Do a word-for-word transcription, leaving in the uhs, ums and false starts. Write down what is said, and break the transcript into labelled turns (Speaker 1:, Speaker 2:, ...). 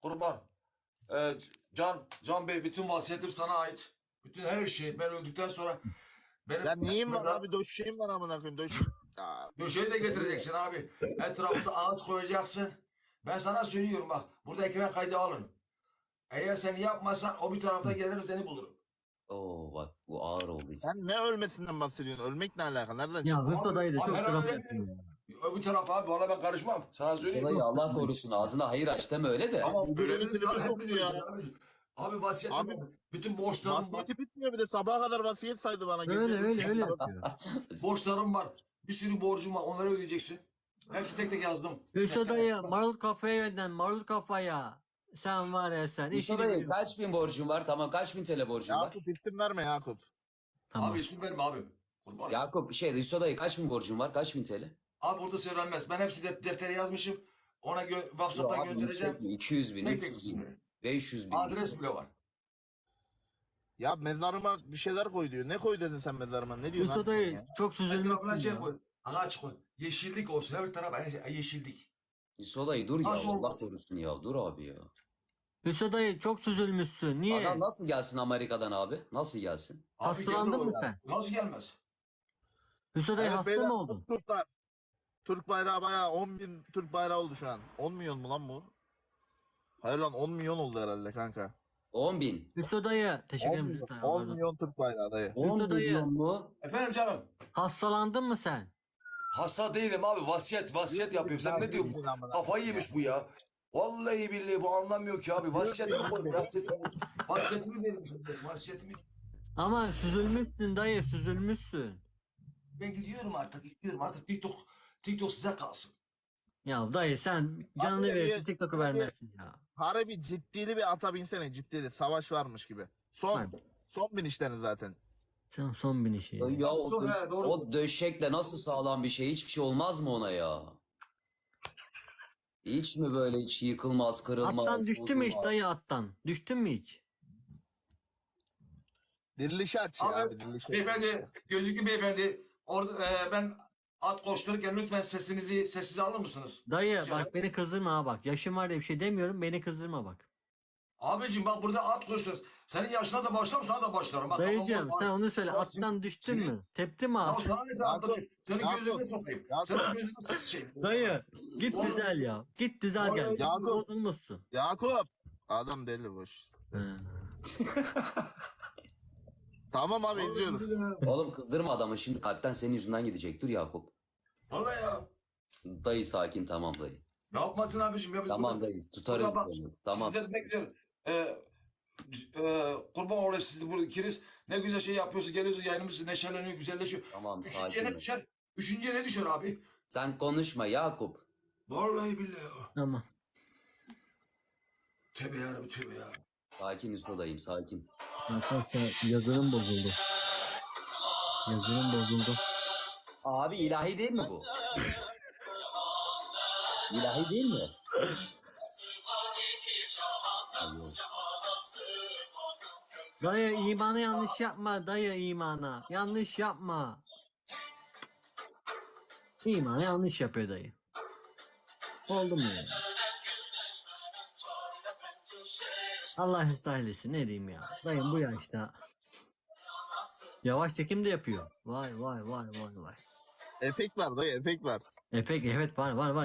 Speaker 1: kurban. Ee, Can, Can Bey bütün vasiyetim sana ait. Bütün her şey ben öldükten sonra benim
Speaker 2: Ya neyim var abi? Döşeğim var amına koyayım. Döş. Ya,
Speaker 1: döşeği de getireceksin abi. Etrafında ağaç koyacaksın. Ben sana söylüyorum bak. Burada ekran kaydı alın. Eğer sen yapmazsan o bir tarafta gelirim seni bulurum.
Speaker 3: Oo bak bu ağır oldu işte.
Speaker 2: sen ne ölmesinden bahsediyorsun? Ölmek ne alaka? Nereden
Speaker 4: Ya
Speaker 2: çıktı?
Speaker 4: Hüso dayı da
Speaker 1: Abi,
Speaker 4: çok
Speaker 1: her
Speaker 4: taraf
Speaker 1: öyle
Speaker 4: yapıyor.
Speaker 1: Öbür taraf abi valla ben karışmam. Sana söyleyeyim.
Speaker 3: Olayı Allah korusun ağzına hayır aç deme öyle de.
Speaker 1: Ama
Speaker 2: Bu
Speaker 1: böyle
Speaker 2: bölümün
Speaker 1: bir
Speaker 2: tribi
Speaker 1: hep
Speaker 2: soktu
Speaker 1: biliyoruz
Speaker 2: ya.
Speaker 1: Abi, abi vasiyetim
Speaker 2: Abi,
Speaker 1: var. Bütün borçlarım var.
Speaker 2: Vasiyeti bitmiyor bir de sabaha kadar vasiyet saydı bana.
Speaker 4: Öyle
Speaker 2: Gece
Speaker 4: öyle
Speaker 2: üç
Speaker 4: öyle
Speaker 2: yapıyor.
Speaker 4: yapıyor.
Speaker 1: Borçlarım var. Bir sürü borcum var. Onları ödeyeceksin. Hepsi tek tek yazdım.
Speaker 4: Hüso dayı marul kafaya gönder marul kafaya. Sen var ya sen.
Speaker 3: Yusuf
Speaker 4: işini
Speaker 3: dayı
Speaker 4: biliyorsun.
Speaker 3: kaç bin borcun var? Tamam kaç bin T L borcun var?
Speaker 2: Yakup isim verme Yakup.
Speaker 4: Tamam.
Speaker 1: Abi isim verme abim. Kurban.
Speaker 3: Yakup şey Yusuf dayı kaç bin borcun var? Kaç bin T L?
Speaker 1: Abi burada söylenmez. Ben hepsi de deftere yazmışım. Ona gö WhatsApp'tan
Speaker 3: Abi
Speaker 1: göndereceğim.
Speaker 3: yüksek mi? iki yüz bin,
Speaker 1: Bekle
Speaker 3: üç yüz bin,
Speaker 1: kızım.
Speaker 3: beş yüz bin.
Speaker 1: Adres bile var.
Speaker 2: Ya mezarıma bir şeyler koy diyor. Ne koy dedin sen mezarıma? Ne diyorsun
Speaker 4: Hüso
Speaker 2: abi sen
Speaker 4: dayı
Speaker 2: ya?
Speaker 4: çok
Speaker 1: Etrafına
Speaker 4: süzülmüşsün
Speaker 1: şey
Speaker 4: ya.
Speaker 1: koy. Ağaç koy. Yeşillik olsun. Her taraf yeşillik.
Speaker 3: Yusuf dayı dur ya
Speaker 1: Taş
Speaker 3: Allah
Speaker 1: olmasın.
Speaker 3: korusun ya dur abi ya.
Speaker 4: Hüso dayı çok süzülmüşsün. Niye?
Speaker 3: Adam nasıl gelsin Amerika'dan abi? Nasıl gelsin?
Speaker 1: Abi
Speaker 4: Hastalandın
Speaker 1: gelir o
Speaker 4: mı
Speaker 1: ya.
Speaker 4: sen?
Speaker 1: Nasıl gelmez?
Speaker 4: Hüso dayı
Speaker 2: Evet,
Speaker 4: hasta
Speaker 2: beyler,
Speaker 4: mı oldun?
Speaker 2: Türkler. Türk bayrağı bayağı on bin Türk bayrağı oldu şu an. on milyon mu lan bu? Hayır lan on milyon oldu herhalde kanka.
Speaker 3: on bin.
Speaker 4: Hüso dayı teşekkür
Speaker 2: on
Speaker 4: ederim.
Speaker 2: milyon,
Speaker 4: Hüso dayı.
Speaker 2: on milyon Türk bayrağı dayı.
Speaker 3: on
Speaker 4: dayı.
Speaker 3: milyon mu?
Speaker 1: Efendim canım.
Speaker 4: Hastalandın mı sen?
Speaker 1: Hasta değilim abi. Vasiyet, vasiyet yapıyorum. Sen ne diyorsun? Kafayı yemiş bu ya. Vallahi billahi bu anlamıyor ki abi. Vasiyetimi koy. Vasiyetimi, vasiyetimi verin. Vasiyetimi.
Speaker 4: Ama süzülmüşsün dayı süzülmüşsün.
Speaker 1: Ben gidiyorum artık. Gidiyorum artık. TikTok, TikTok size kalsın.
Speaker 4: Ya dayı sen canını
Speaker 2: Abi,
Speaker 4: verirsin
Speaker 2: bir-
Speaker 4: TikTok'u
Speaker 2: bir-
Speaker 4: vermezsin ya.
Speaker 2: Harbi ciddili bir ata binsene ciddili. Savaş varmış gibi. Son.
Speaker 4: Hadi.
Speaker 2: Son binişlerin zaten.
Speaker 4: Sen son bin işi.
Speaker 3: Ya o,
Speaker 1: Sonra,
Speaker 3: döş-
Speaker 1: doğru.
Speaker 3: o döşekle nasıl sağlam bir şey? Hiçbir şey olmaz mı ona ya? Hiç mi böyle hiç yıkılmaz, kırılmaz?
Speaker 4: Attan düştü mü hiç
Speaker 3: bozulmaz?
Speaker 4: dayı attan? Düştün mü hiç?
Speaker 2: Dirilişi aç ya
Speaker 1: Abi,
Speaker 2: abi dirilişi.
Speaker 1: Beyefendi, gözlüklü beyefendi. Orada e, ben at koştururken lütfen sesinizi sessize alır mısınız?
Speaker 4: Dayı
Speaker 1: Rica
Speaker 4: bak
Speaker 1: ederim.
Speaker 4: beni kızdırma ha bak. Yaşım var diye bir şey demiyorum beni kızdırma bak.
Speaker 1: Abicim bak burada at koştur. Senin yaşına da başlarım sana da başlarım. Bak,
Speaker 4: Dayıcığım
Speaker 1: tamam,
Speaker 4: sen onu söyle
Speaker 1: Bak,
Speaker 4: attan düştün
Speaker 1: senin-
Speaker 4: mü? Tepti mi
Speaker 1: Ya
Speaker 4: abi?
Speaker 1: sana ne sen
Speaker 2: Yakup,
Speaker 1: anlatıyorsun? Senin
Speaker 2: Yakup,
Speaker 1: gözüne sokayım.
Speaker 2: Yakup.
Speaker 1: Senin gözüne sıçayım.
Speaker 4: Dayı git
Speaker 1: Oğlum.
Speaker 4: düzel ya. Git düzel gel.
Speaker 1: Oğlum.
Speaker 2: Yakup.
Speaker 4: Bozulmuşsun.
Speaker 2: Yakup. Adam deli boş.
Speaker 4: He.
Speaker 2: Tamam abi izliyoruz.
Speaker 3: Oğlum kızdırma adamı şimdi kalpten senin yüzünden gidecek. Dur Yakup.
Speaker 1: Vallahi ya.
Speaker 3: Dayı sakin tamam dayı.
Speaker 1: Ne yapmasın abicim ya? Biz
Speaker 3: Tamam
Speaker 1: burada-
Speaker 3: dayı tutarız.
Speaker 1: burada bak,
Speaker 3: seni. Tamam.
Speaker 1: Sizleri bekliyorum. Ee, e, kurban olayım siz burada ikiniz. Ne güzel şey yapıyorsunuz. Geliyorsunuz yayınımız neşeleniyor, güzelleşiyor.
Speaker 3: Tamam
Speaker 1: Üçüncüye
Speaker 3: sakin.
Speaker 1: ne
Speaker 3: ol.
Speaker 1: düşer? Üçüncüye ne düşer abi?
Speaker 3: Sen konuşma Yakup.
Speaker 1: Vallahi billahi.
Speaker 4: Tamam.
Speaker 1: Tövbe yarabbim tövbe ya.
Speaker 3: Sakin Yusuf'dayım sakin.
Speaker 4: Arkadaşlar yazılım bozuldu. Yazılım bozuldu.
Speaker 3: Abi ilahi değil mi bu? İlahi değil mi? Abi,
Speaker 4: Dayı imana yanlış yapma dayı imana. Yanlış yapma. İmana yanlış yapıyor dayı. Oldu mu yani? Allah ıslah eylesin ne diyeyim ya. Dayım bu yaşta. Yavaş çekim de yapıyor. Vay vay vay vay vay.
Speaker 2: Efekt var dayı efekt var.
Speaker 4: Efekt evet var var var.